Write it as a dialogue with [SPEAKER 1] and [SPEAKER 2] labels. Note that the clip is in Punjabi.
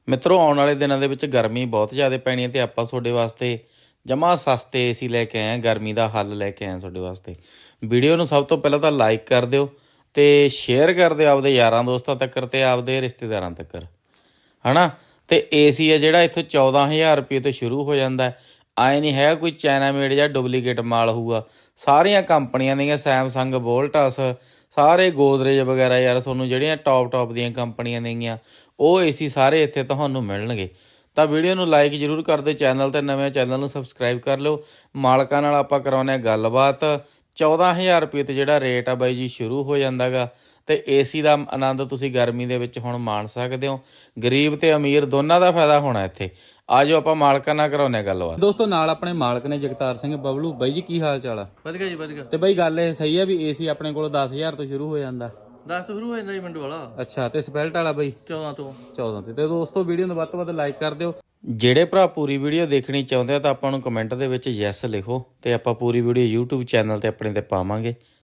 [SPEAKER 1] ਮਿੱਤਰੋ ਆਉਣ ਵਾਲੇ ਦਿਨਾਂ ਦੇ ਵਿੱਚ ਗਰਮੀ ਬਹੁਤ ਜ਼ਿਆਦਾ ਪੈਣੀ ਹੈ ਤੇ ਆਪਾਂ ਤੁਹਾਡੇ ਵਾਸਤੇ ਜਮਾ ਸਸਤੇ ਏਸੀ ਲੈ ਕੇ ਆਏ ਹਾਂ। ਗਰਮੀ ਦਾ ਹੱਲ ਲੈ ਕੇ ਆਏ ਹਾਂ ਤੁਹਾਡੇ ਵਾਸਤੇ। ਵੀਡੀਓ ਨੂੰ ਸਭ ਤੋਂ ਪਹਿਲਾਂ ਤਾਂ ਲਾਈਕ ਕਰ ਦਿਓ ਤੇ ਸ਼ੇਅਰ ਕਰ ਦਿਓ ਆਪਦੇ ਯਾਰਾਂ ਦੋਸਤਾਂ ਤੱਕ ਤੇ ਆਪਦੇ ਰਿਸ਼ਤੇਦਾਰਾਂ ਤੱਕ, ਹਨਾ। ਤੇ ਏਸੀ ਹੈ ਜਿਹੜਾ ਇੱਥੋਂ 14,000 ਰੁਪਏ ਤੋਂ ਸ਼ੁਰੂ ਹੋ ਜਾਂਦਾ। ਆਏ ਨਹੀਂ ਹੈਗਾ ਕੋਈ ਚਾਈਨਾ ਮੇਡ ਜਾਂ ਡੁਪਲੀਕੇਟ ਮਾਲ ਹੋਊਗਾ। ਸਾਰੀਆਂ ਕੰਪਨੀਆਂ ਦੀਆਂ ਸੈਮਸੰਗ, ਵੋਲਟਸ, ਸਾਰੇ ਗੋਦਰੇਜ ਵਗੈਰਾ ਯਾਰ ਤੁਹਾਨੂੰ ਜਿਹੜੀਆਂ ਟੌਪ ਦੀਆਂ ਕੰਪਨੀਆਂ ਨੇਗੀਆਂ ਉਹ ਏਸੀ ਸਾਰੇ ਇੱਥੇ ਤੁਹਾਨੂੰ ਮਿਲਣਗੇ। ਤਾਂ ਵੀਡੀਓ ਨੂੰ ਲਾਈਕ ਜ਼ਰੂਰ ਕਰ ਦਿਓ, ਚੈਨਲ 'ਤੇ ਨਵੇਂ ਚੈਨਲ ਨੂੰ ਸਬਸਕ੍ਰਾਈਬ ਕਰ ਲਓ। ਮਾਲਕਾਂ ਨਾਲ ਆਪਾਂ ਕਰਾਉਂਦੇ ਹਾਂ ਗੱਲਬਾਤ। 14,000 ਰੁਪਏ ਤੇ ਜਿਹੜਾ ਰੇਟ ਆ ਬਾਈ ਜੀ ਸ਼ੁਰੂ ਹੋ ਜਾਂਦਾ ਗਾ। ਤੇ ਏਸੀ ਦਾ ਆਨੰਦ ਤੁਸੀਂ ਗਰਮੀ ਦੇ ਵਿੱਚ ਹੁਣ ਮਾਣ ਸਕਦੇ ਹੋ। ਗਰੀਬ ਤੇ ਅਮੀਰ ਦੋਨਾਂ ਦਾ ਫਾਇਦਾ ਹੋਣਾ ਇੱਥੇ। ਆ ਜਾਓ ਆਪਾਂ ਮਾਲਕਾਂ ਨਾਲ ਕਰਾਉਂਦੇ ਹਾਂ ਗੱਲਬਾਤ। ਦੋਸਤੋ ਨਾਲ ਆਪਣੇ ਮਾਲਕ ਨੇ ਜਗਤਾਰ ਸਿੰਘ ਬਬਲੂ। ਬਾਈ ਜੀ ਕੀ ਹਾਲ ਚਾਲ ਆ?
[SPEAKER 2] ਵਧੀਆ ਜੀ ਵਧੀਆ।
[SPEAKER 1] ਤੇ ਬਾਈ ਗੱਲ ਇਹ ਸਹੀ ਆ ਵੀ ਏਸੀ ਆਪਣੇ ਕੋਲ 10,000 ਤੋਂ ਸ਼ੁਰੂ ਹੋ ਜਾਂਦਾ?
[SPEAKER 2] 10 ਤੋਂ ਸ਼ੁਰੂ ਹੋ ਜਾਂਦਾ ਜੀ ਮਿੰਟ ਵਾਲਾ।
[SPEAKER 1] ਅੱਛਾ, ਤੇ ਸਪੈਲਟ ਵਾਲਾ ਬਾਈ
[SPEAKER 2] 14 ਤੋਂ
[SPEAKER 1] 14 ਤੇ ਦੋਸਤੋ ਵੀਡੀਓ ਨੂੰ ਵੱਧ ਤੋਂ ਵੱਧ ਲਾਈਕ ਕਰ ਦਿਓ। ਜਿਹੜੇ ਭਰਾ ਪੂਰੀ ਵੀਡੀਓ ਦੇਖਣੀ ਚਾਹੁੰਦੇ ਆ ਤਾਂ ਆਪਾਂ ਨੂੰ ਕਮੈਂਟ ਦੇ ਵਿੱਚ ਯੈਸ ਲਿਖੋ ਤੇ ਆਪਾਂ ਪੂਰੀ ਵੀਡੀਓ YouTube ਚੈਨਲ ਤੇ ਆਪਣੇ ਤੇ ਪਾਵਾਂਗੇ।